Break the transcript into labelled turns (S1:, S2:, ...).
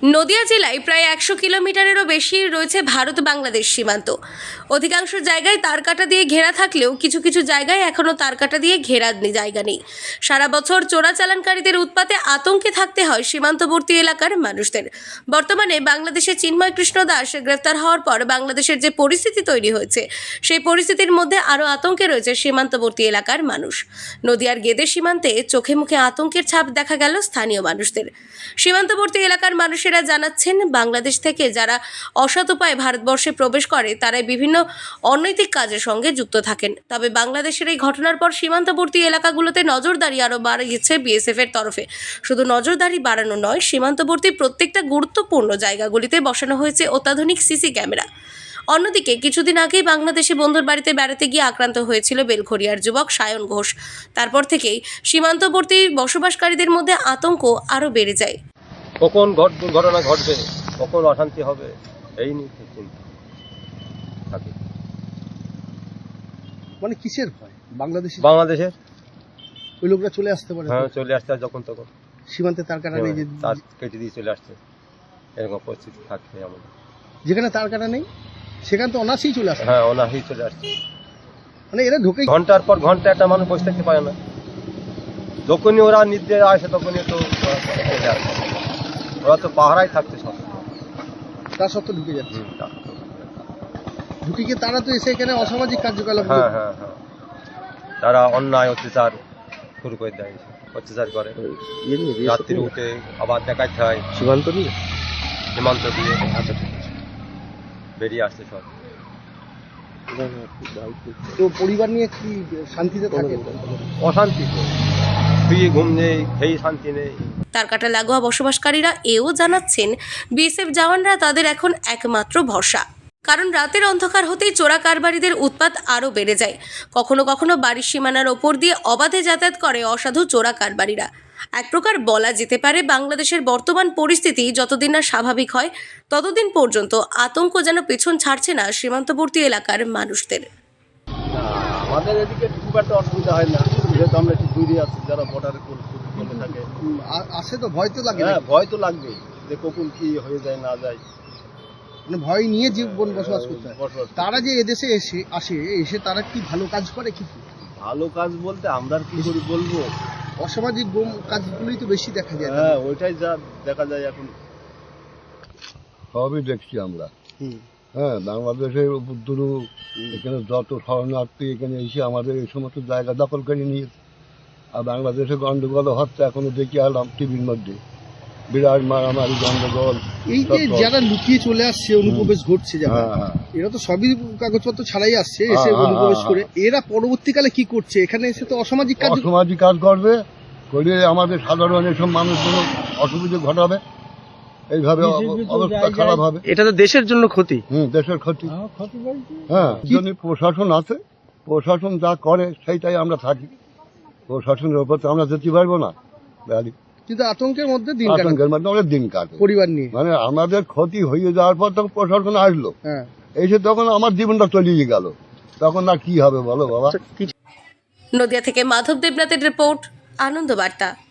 S1: নদিয়া জেলায় প্রায় 100 কিলোমিটারেরও বেশি রয়েছে ভারত বাংলাদেশ সীমান্ত। অধিকাংশ জায়গায় তারকাটা দিয়ে ঘেরা থাকলেও কিছু কিছু জায়গায় এখনও তারকাটা দিয়ে ঘেরা জায়গা নেই। সারা বছর চোরাচালানকারীদের উৎপাতে আতঙ্কে থাকতে হয় সীমান্তবর্তী এলাকার মানুষদের। বর্তমানে বাংলাদেশের চিন্ময় কৃষ্ণ দাস গ্রেফতার হওয়ার পর বাংলাদেশের যে পরিস্থিতি তৈরি হয়েছে, সেই পরিস্থিতির মধ্যে আরও আতঙ্কে রয়েছে সীমান্তবর্তী এলাকার মানুষ। নদিয়ার গেদে সীমান্তে চোখে মুখে আতঙ্কের ছাপ দেখা গেল স্থানীয় মানুষদের। সীমান্তবর্তী এলাকার মানুষেরা জানাচ্ছেন, বাংলাদেশ থেকে যারা অসৎ উপায়ে ভারতবর্ষে প্রবেশ করে তারাই বিভিন্ন অনৈতিক কাজের সঙ্গে যুক্ত থাকেন। তবে বাংলাদেশের এই ঘটনার পর সীমান্তবর্তী এলাকাগুলোতে নজরদারি আরও বাড়িয়েছে বিএসএফ এর তরফে। শুধু নজরদারি বাড়ানো নয়, সীমান্তবর্তী প্রত্যেকটা গুরুত্বপূর্ণ জায়গাগুলিতে বসানো হয়েছে অত্যাধুনিক সিসি ক্যামেরা। অন্যদিকে কিছুদিন আগেই বাংলাদেশে বন্ধুর বাড়িতে বেড়াতে গিয়ে আক্রান্ত হয়েছিল বেলঘরিয়ার যুবক সায়ন ঘোষ। তারপর থেকেই সীমান্তবর্তী বসবাসকারীদের মধ্যে আতঙ্ক আরও বেড়ে যায়।
S2: কখন দুর্ঘটনা ঘটবে, কখন অশান্তি হবে, এই নিয়ে চিন্তা থাকে।
S3: মানে কিসের ভয়?
S2: বাংলাদেশের
S3: ওই লোকরা চলে আসতে পারে?
S2: হ্যাঁ, চলে আসতে যখন তখন
S3: সীমান্তে তার কাটা নেই, যে
S2: তার কেটে দিয়ে চলে আসছে, এরকম পরিস্থিতি থাকছে আমাদের।
S3: যেখানে তার কাটা নেই সেখানে তো অনাসেই চলে আসে।
S2: হ্যাঁ, অনাহি চলে আসছে।
S3: মানে এরা ঢুকে
S2: ঘন্টার পর ঘন্টা একটা মানুষ বসে থাকতে পারে না। যখনই ওরা নির্দেশ আসে তখনই তো চলে আসে। ওরা তো পাহারায় থাকছে সব,
S3: তার সত্ত্বেও ঢুকে যাচ্ছে। ঢুকে গিয়ে তারা তো এসে এখানে অসামাজিক কার্যকলাপ।
S2: হ্যাঁ হ্যাঁ হ্যাঁ, তারা অন্যায় অত্যাচার শুরু করে দেয়, অত্যাচার করে। রাত্রি উঠে আবার দেখাতে হয় সীমান্ত দিয়ে বেরিয়ে আসছে সব।
S3: তো পরিবার নিয়ে কি শান্তিতে থাকে?
S2: অশান্তি তো, শুয়ে ঘুম নেই, খেয়ে শান্তি নেই।
S1: তারকাটা লাগোয়া বসবাসকারীরা এও জানাচ্ছেন, বিএসএফ জওয়ানরা তাদের এখন একমাত্র ভরসা। কারণ রাতের অন্ধকার হতেই চোরা কারবারিদের উৎপাত আরও বেড়ে যায়। কখনো কখনো বাড়ির সীমানার ওপর দিয়ে অবাধে যাতায়াত করে অসাধু চোরা কারবারিরা। এক প্রকার বলা যেতে পারে, বাংলাদেশের বর্তমান পরিস্থিতি যতদিন না স্বাভাবিক হয় ততদিন পর্যন্ত আতঙ্ক যেন পেছন ছাড়ছে না সীমান্তবর্তী এলাকার মানুষদের।
S4: আমাদের এদিকে খুব একটা অসুবিধা হয় না, যেহেতু আমরা একটু দূরে আছি। যারা বর্ডারে করে থাকে
S3: আসে তো ভয় তো লাগে।
S4: হ্যাঁ, ভয় তো লাগবেই, যে কখন কি হয়ে যায় না যায়।
S3: মানে ভয় নিয়ে জীবন বসবাস করতে হয়। তারা যে এদেশে এসে তারা কি ভালো কাজ করে? কিছু
S4: ভালো কাজ বলতে আমরা আর কি করে বলবো,
S3: অসামাজিক কাজগুলোই তো বেশি দেখা যায়।
S4: হ্যাঁ, ওইটাই যা দেখা যায় এখন।
S5: সবই দেখছি আমরা। হ্যাঁ, বাংলাদেশের উপদ্রু এখানে যত শরণার্থী এখানে এসে আমাদের এই সমস্ত জায়গা দখল করে নিয়েছে। আর বাংলাদেশে গন্ডগোল হচ্ছে, এখনো দেখি আলাম টিভির মধ্যে বিরাট মারামারি, গন্ডগোল।
S3: এই যে যারা লুকিয়ে চলে আসছে, অনুপ্রবেশ ঘটছে যারা, এরা তো সবই কাগজপত্র ছাড়াই আসছে, এসে অনুপ্রবেশ করে। এরা পরবর্তীকালে কি করছে? এখানে এসে তো অসামাজিক
S5: কাজ করবে, করে আমাদের সাধারণ এসব মানুষগুলো অসুবিধা ঘটাবে। এইভাবে অবস্থা খারাপ হবে।
S3: এটা তো দেশের জন্য ক্ষতি।
S5: দেশের ক্ষতি। হ্যাঁ, যদি প্রশাসন আছে, প্রশাসন যা করে সেইটাই আমরা থাকি। প্রশাসনের উপর তো আমরা যেতে পারবো না।
S3: কিন্তু আতঙ্কের মধ্যে
S5: অনেক দিন কাটে
S3: পরিবার নিয়ে।
S5: মানে আমাদের ক্ষতি হয়ে যাওয়ার পর তখন প্রশাসন আসলো, এসে তখন আমার জীবনটা তলিয়ে গেল, তখন আর কি হবে বলো বাবা।
S1: নদিয়া থেকে মাধব দেবনাথের রিপোর্ট, আনন্দ বার্তা।